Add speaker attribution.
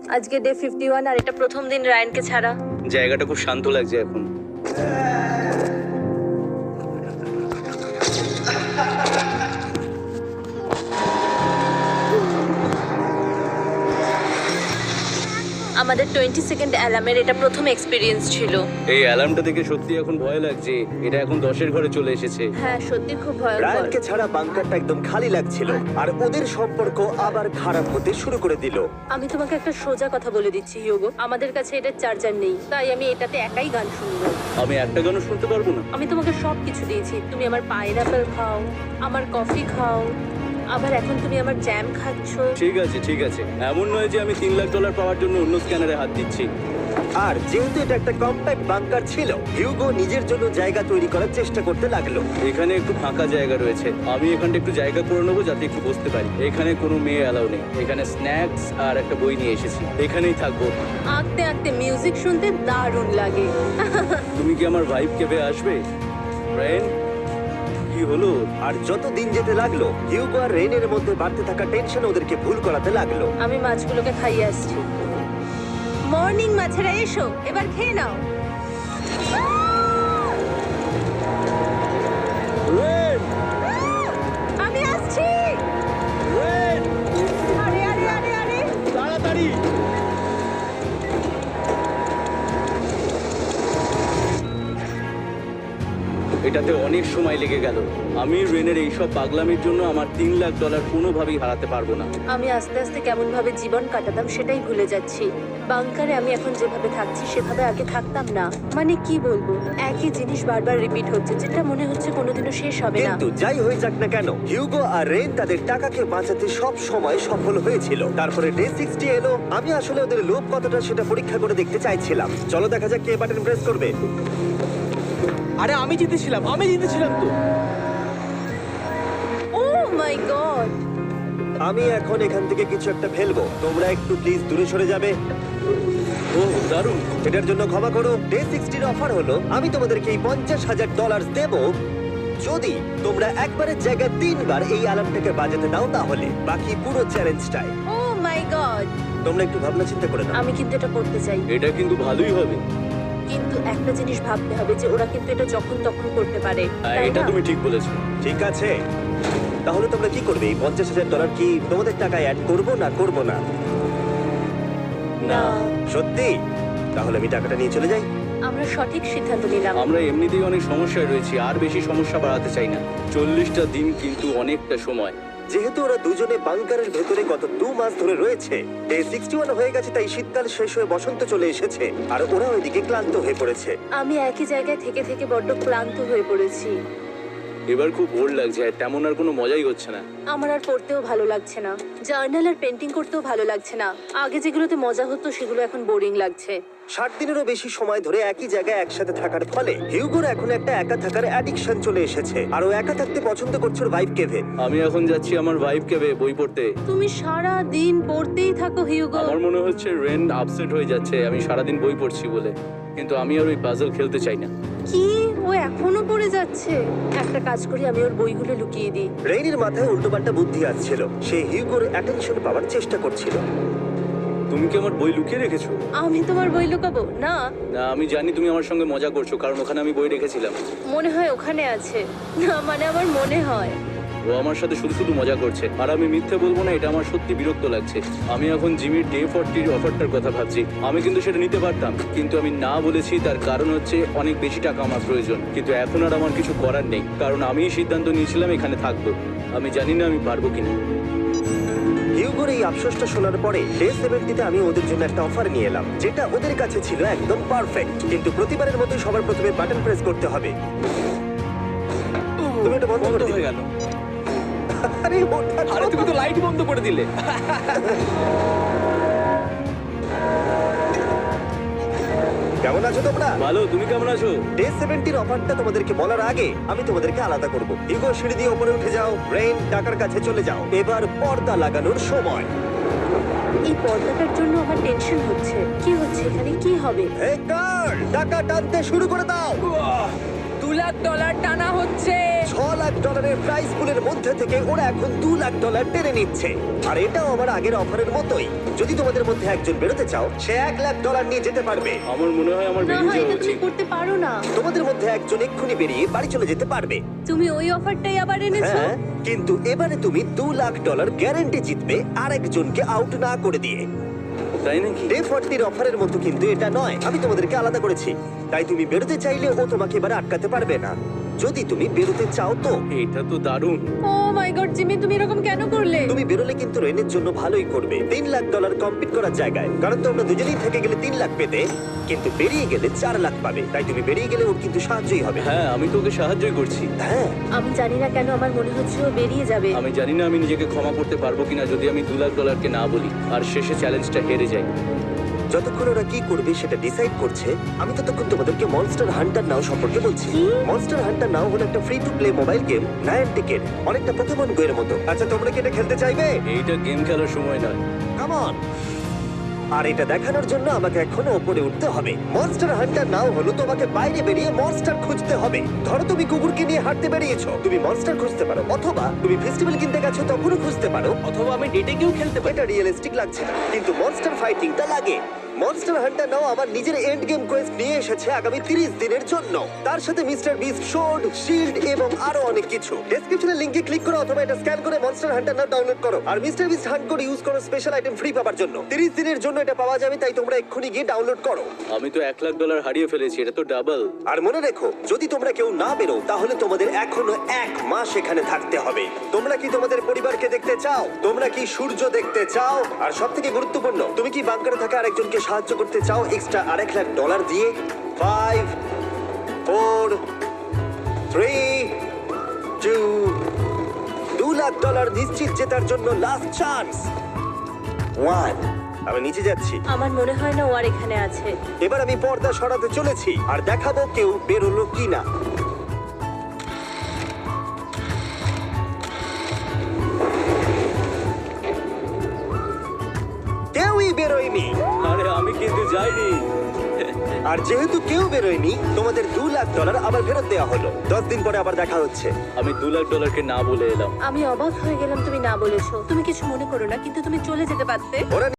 Speaker 1: আজকে ডে 51 আর এটা প্রথম দিন রায়ানকে ছাড়া।
Speaker 2: জায়গাটা খুব শান্ত লাগছে এখন।
Speaker 1: আমাদের 20 সেকেন্ড অ্যালার্মের এটা প্রথম এক্সপিরিয়েন্স ছিল।
Speaker 2: এই অ্যালার্মটা দেখে সত্যি এখন ভয় লাগছে। এটা এখন 10-এর ঘরে চলে এসেছে।
Speaker 1: হ্যাঁ সত্যি খুব ভয়ঙ্কর।
Speaker 3: রায়ানকে ছাড়া বাংকারটা একদম খালি লাগছিল আর ওদের সম্পর্ক আবার খারাপ হতে শুরু করে দিল।
Speaker 1: আমি তোমাকে একটা সোজা কথা বলে দিচ্ছি হিউগো, আমাদের কাছে এটা চার্জার নেই, তাই আমি এটাতে একাই গান শুনবো।
Speaker 2: আমি একটা গানও শুনতে পারবো না।
Speaker 1: আমি তোমাকে সব কিছু দিয়েছি, তুমি আমার পাইনাপেল খাও, আমার কফি খাও, আবার এখন তুমি আমার জ্যাম খাচ্ছ।
Speaker 2: ঠিক আছে ঠিক আছে, এমন নয় যে আমি $3 লাখ পাওয়ার জন্য অন্য স্ক্যানারে হাত দিচ্ছি।
Speaker 3: আর যেহেতু এটা একটা কম্প্যাক্ট বাংকার ছিল, হিউগো নিজের জন্য জায়গা তৈরি করার চেষ্টা করতে লাগলো।
Speaker 2: এখানে একটু ফাঁকা জায়গা রয়েছে, আমি এখানটা একটু জায়গা করে নেবো যাতে একটু বসতে পারি। এখানে কোনো মেয়ে অ্যালাউ নেই। এখানে স্ন্যাক্স আর একটা বই নিয়ে এসেছি, এখানেই থাকবো।
Speaker 1: আঁকতে আঁকতে মিউজিক শুনতে দারুণ লাগে।
Speaker 2: তুমি কি আমার ভাইব কেবে আসবে? ব্রেন, কি হলো?
Speaker 3: আর যত দিন যেতে লাগলো, হিউগো আর রেনের মধ্যে বাড়তে থাকা টেনশন ওদেরকে ভুল করাতে লাগলো।
Speaker 1: আমি মাছগুলোকে খাইয়ে আসছি। মর্নিং মাছেরা, এসো এবার খেয়ে নাও।
Speaker 2: রেন,
Speaker 1: আমি আসছি।
Speaker 2: রেন,
Speaker 1: আরে আরে আরে আরে
Speaker 2: তাড়াতাড়ি! এটাতে অনেক সময় লেগে গেল। আমি রেনের এইসব পাগলামির জন্য আমার $3 লাখ কোনোভাবেই হারাতে পারবো না।
Speaker 1: আমি আস্তে আস্তে কেমন ভাবে জীবন কাটাতাম সেটাই ভুলে যাচ্ছি। বাংকারে আমি এখন যেভাবে থাকছি সেভাবে আগে থাকতাম না। মানে কি বলবো, একই জিনিস বারবার রিপিট হচ্ছে, যেটা মনে হচ্ছে কোনোদিনও শেষ হবে না।
Speaker 3: কিন্তু যাই হয়ে যাক না কেন, হিউগো আর রেন তাদের টাকাকে বাঁচাতে সব সময় সফল হয়েছিল। তারপরে ডে 60 এলো। আমি আসলে ওদের লোভ কতটা সেটা পরীক্ষা করে দেখতে চাইছিলাম। চলো দেখা যাক কে বাটন প্রেস করবে।
Speaker 2: আরে আমি জিতেছিলাম তো।
Speaker 1: Oh my god!
Speaker 3: আমি এখন এখান থেকে কিছু একটা ফেলবো, তোমরা একটু প্লিজ দূরে সরে যাবে।
Speaker 2: ও দারুণ!
Speaker 3: এটার জন্য ক্ষমা করো। ডে 60 অফার হলো আমি তোমাদেরকে এই $50,000 দেব যদি তোমরা একবারের জায়গায় 3বার এই অ্যালার্মটাকে বাজাতে দাও, তাহলে বাকি পুরো চ্যালেঞ্জটাই।
Speaker 1: ও মাই গড!
Speaker 3: তোমরা একটু ভাবনা চিন্তা করে নাও।
Speaker 1: আমি কিন্তু এটা করতে চাই,
Speaker 2: এটা কিন্তু ভালোই হবে।
Speaker 1: কিন্তু একটা জিনিস ভাবতে হবে যে ওরা কিন্তু এটা যখন তখন করতে পারে, তাই
Speaker 2: এটা
Speaker 1: না?
Speaker 2: তুমি ঠিক বলেছো।
Speaker 3: ঠিক আছে, তাহলে তোমরা কি করবে? এই $50,000 কি তোমাদের টাকায় অ্যাড করবো না করবো না?
Speaker 1: না,
Speaker 3: সত্যি? তাহলে আমি টাকাটা নিয়ে চলে যাই।
Speaker 1: আমরা সঠিক সিদ্ধান্ত নিলাম।
Speaker 2: আমরা এমনিতেই অনেক সমস্যায় রয়েছি, আর বেশি সমস্যা বাড়াতে চাই না। 40টা দিন কিন্তু অনেকটা সময়।
Speaker 3: যেহেতু ওরা দুজনে বাংকারের ভেতরে গত 2 মাস ধরে রয়েছে, ডে 61 হয়ে গেছে, তাই শীতকাল শেষ হয়ে বসন্ত চলে এসেছে আর ওরা ওইদিকে ক্লান্ত হয়ে পড়েছে।
Speaker 1: আমি একই জায়গায় থেকে থেকে বড্ড ক্লান্ত হয়ে পড়েছি।
Speaker 2: এবার খুব বোর লাগছে, আর তেমন আর কোনো মজাই হচ্ছে না।
Speaker 1: আমার আর পড়তেও ভালো লাগছে না, জার্নাল আর পেন্টিং করতেও ভালো লাগছে না। আগে যেগুলোতে মজা হতো সেগুলো এখন বোরিং লাগছে।
Speaker 3: 60 দিনেরও বেশি সময় ধরে একই জায়গায় একসাথে থাকার ফলে হিউগোর এখন একটা একা থাকার অ্যাডিকশন চলে এসেছে আর ও একা থাকতে পছন্দ করছে ওর ভাইফ কেভে।
Speaker 2: আমি এখন যাচ্ছি আমার ভাইব কেবে বই পড়তে।
Speaker 1: তুমি সারা দিন পড়তেই থাকো হিউগো।
Speaker 2: আমার মনে হচ্ছে রেন আপসেট হয়ে যাচ্ছে আমি সারাদিন বই পড়ছি বলে, কিন্তু আমি আর ওই পাজল খেলতে চাই না।
Speaker 1: কি, ও এখনো পড়ে যাচ্ছে? একটা কাজ করি, আমি ওর বইগুলো লুকিয়ে দিই।
Speaker 3: রেইনির মাথায় উল্টোপাল্টা বুদ্ধি আসছিল। সে হিউগোর অ্যাটেনশন পাওয়ার চেষ্টা করছিল।
Speaker 2: তুমি কি আমার বই লুকিয়ে রেখেছো?
Speaker 1: আমি তোমার বই লুকাবো না?
Speaker 2: না, আমি জানি তুমি আমার সঙ্গে মজা করছো, কারণ ওখানে আমি বই রেখেছিলাম।
Speaker 1: মনে হয় ওখানে আছে। না মানে আমার মনে হয়।
Speaker 2: ও আমার সাথে শুধু শুধু মজা করছে, আর আমি মিথ্যে বলবো না, এটা আমার সত্যি বিরক্ত লাগছে। আমি এখন জিমির ডে 40 অফারটার কথা ভাবছি। আমি কিন্তু সেটা নিতে পারতাম, কিন্তু আমি না বলেছি। তার কারণ হচ্ছে অনেক বেশি টাকা আমার প্রয়োজন, কিন্তু এখন আর আমার কিছু করার নেই, কারণ আমিই সিদ্ধান্ত নিয়েছিলাম এখানে থাকবো। আমি জানি না আমি পারবো কিনা।
Speaker 3: হিউগোর এই আফসোসটা শোনার পরে ডে 70-তে আমি ওদের জন্য একটা অফার নিয়ে এলাম, যেটা ওদের কাছে ছিল একদম পারফেক্ট। কিন্তু প্রতিবারের মতো সবার প্রথমে বাটন প্রেস করতে হবে। তুমি এটা বন্ধ করে দিলে।
Speaker 2: গেল।
Speaker 3: আরে ওটা
Speaker 2: আরে তুমি তো লাইট বন্ধ করে দিলে।
Speaker 3: কেমন আছো তোমরা?
Speaker 2: ভালো, তুমি কেমন আছো?
Speaker 3: ডে 70-র অফারটা তোমাদেরকে বলার আগে আমি তোমাদেরকে আলাদা করব। হিউগো, সিঁড়ি দিয়ে উপরে উঠে যাও। রেইন, টাকার কাছে চলে যাও। এবার পর্দা লাগানোর সময়।
Speaker 1: এই পর্দাটার জন্য আমার টেনশন হচ্ছে। কি হচ্ছে এখানে, কি হবে?
Speaker 3: এই গার্ল, টাকা টানতে শুরু করে দাও।
Speaker 4: $2 লাখ টানা হচ্ছে।
Speaker 3: $6 লাখ প্রাইস পুলের মধ্যে থেকে ওরা এখন $2 লাখ টেনে নিচ্ছে। আর এটাও আমার আগের অফারের মতোই। যদি তোমাদের মধ্যে একজন বেরোতে চাও, সে $1 লাখ নিয়ে যেতে পারবে।
Speaker 2: আমার মনে হয় আমার
Speaker 1: না
Speaker 2: বেরিয়ে
Speaker 1: হয়
Speaker 2: যাওয়া
Speaker 1: এটা তুমি
Speaker 2: উচিত।
Speaker 1: করতে পারো না।
Speaker 3: তোমাদের মধ্যে একজন এক্ষুনি বেরিয়ে বাড়ি চলে যেতে পারবে।
Speaker 1: তুমি ওই অফারটাই আবার এনেছো।
Speaker 3: হ্যাঁ, কিন্তু এবারে তুমি $2 লাখ গ্যারান্টি জিতবে আরেকজনকে আউট না করে দিয়ে।
Speaker 2: তাই নাকি?
Speaker 3: ডে 40 অফারের মতো কিন্তু এটা নয়। আমি তোমাদেরকে আলাদা করেছি, তাই তুমি বেরোতে চাইলে ও তোমাকে এবারে আটকাতে পারবে না। যদি তুমি বেরোতে চাও তো
Speaker 2: এটা তো দারুণ।
Speaker 1: ও মাই গড জিমি, তুমি এরকম কেন করলে?
Speaker 3: তুমি বেরোলে কিন্তু রেনের জন্য ভালোই করবে। $3 লাখ কম্পিট করার জায়গায়, কারণ তোমরা দুজনেই থেকে গেলে 3 লাখ পেতে, কিন্তু বেরিয়ে গেলে 4 লাখ পাবে। তাই তুমি বেরিয়ে গেলে ওর কিন্তু সাহায্যই হবে।
Speaker 2: হ্যাঁ, আমি তোকে সাহায্যই করছি।
Speaker 3: হ্যাঁ,
Speaker 1: আমি জানি না কেন আমার মনে হচ্ছে ও বেরিয়ে যাবে।
Speaker 2: আমি জানি না আমি নিজেকে ক্ষমা করতে পারবো কিনা যদি আমি $2 লাখ না বলি আর শেষে চ্যালেঞ্জটা হেরে যাই।
Speaker 3: যতক্ষণ ওরা কি করবে সেটা ডিসাইড করছে, আমি ততক্ষণ তোমাদেরকে মনস্টার হান্টার নাও সম্পর্কে বলছি।
Speaker 1: কি?
Speaker 3: মনস্টার হান্টার নাও হলো একটা free to play mobile game, নায়ান্টিকের অনেকটা পোকেমন গো এর মতো। আচ্ছা, তোমরা কি এটা খেলতে চাইবে?
Speaker 2: এইটা গেম খেলার সময় নয়।
Speaker 3: Come on. আর এটা দেখানোর জন্য আমাকে এখনো উপরে উঠতে হবে। মনস্টার হান্টার নাও হলো তোমাকে বাইরে বেরিয়ে মনস্টার খুঁজতে হবে। ধরো তুমি কুকুরকে নিয়ে হাঁটতে বেরিয়েছো, তুমি মনস্টার খুঁজতে পারো, অথবা তুমি ফেস্টিভ্যাল কিনতে গেছো তখনও খুঁজতে পারো,
Speaker 2: অথবা আমি ডেটে গিয়েও খেলতে পারি।
Speaker 3: এটা রিয়েলিস্টিক লাগছে না, কিন্তু মনস্টার ফাইটিংটা লাগে। মনস্টার হান্টার নাও আমার নিজের এন্ড গেম কোয়েস্ট নিয়ে এসেছে আগামী 30 দিনের জন্য। তার সাথে মিস্টার বিস্ট সোর্ড, শিল্ড এবং আরো অনেক কিছু। ডেসক্রিপশনে লিংকে ক্লিক করো অথবা এটা স্ক্যান করে মনস্টার হান্টার নাও ডাউনলোড করো। আর Mister Beast hunt code use করো স্পেশাল আইটেম ফ্রি পাওয়ার জন্য। 30 দিনের জন্য এটা পাওয়া যাবে, তাই তোমরা এক্ষুনি গিয়ে ডাউনলোড করো।
Speaker 2: আমি তো $1 লাখ হারিয়ে ফেলেছি, এটা তো ডাবল।
Speaker 3: আর মনে রেখো, যদি তোমরা কেউ না বেরো তাহলে তোমাদের এখনো 1 মাস এখানে থাকতে হবে। তোমরা কি তোমাদের পরিবারকে দেখতে চাও? তোমরা কি সূর্য দেখতে চাও? আর সবথেকে গুরুত্বপূর্ণ, তুমি কি বাংকারে থাকা আরেকজনকে সাহায্য করতে চাও এক্সট্রা $1 লাখ দিয়ে? 5 4 3 2 $2 লাখ নিশ্চিত জেতার জন্য লাস্ট চান্স। 1। আমি নিচে যাচ্ছি।
Speaker 1: আমার মনে হয় না ও আর এখানে আছে।
Speaker 3: এবার আমি পর্দা সরাতে চলেছি আর দেখাবো কেউ বেরোলো কিনা। কেউই বেরোয়নি।
Speaker 2: আরে আমি কিন্তু যাইনি।
Speaker 3: আর যেহেতু কেউ বেরোয়নি, তোমাদের $2 লাখ আবার ফেরত দেওয়া হলো। 10 দিন পরে আবার দেখা হচ্ছে।
Speaker 2: আমি $2 লাখ না বলে এলাম।
Speaker 1: আমি অবাক হয়ে গেলাম তুমি না বলেছো। তুমি কিছু মনে করো না, কিন্তু তুমি চলে যেতে পারতে।
Speaker 3: ওরা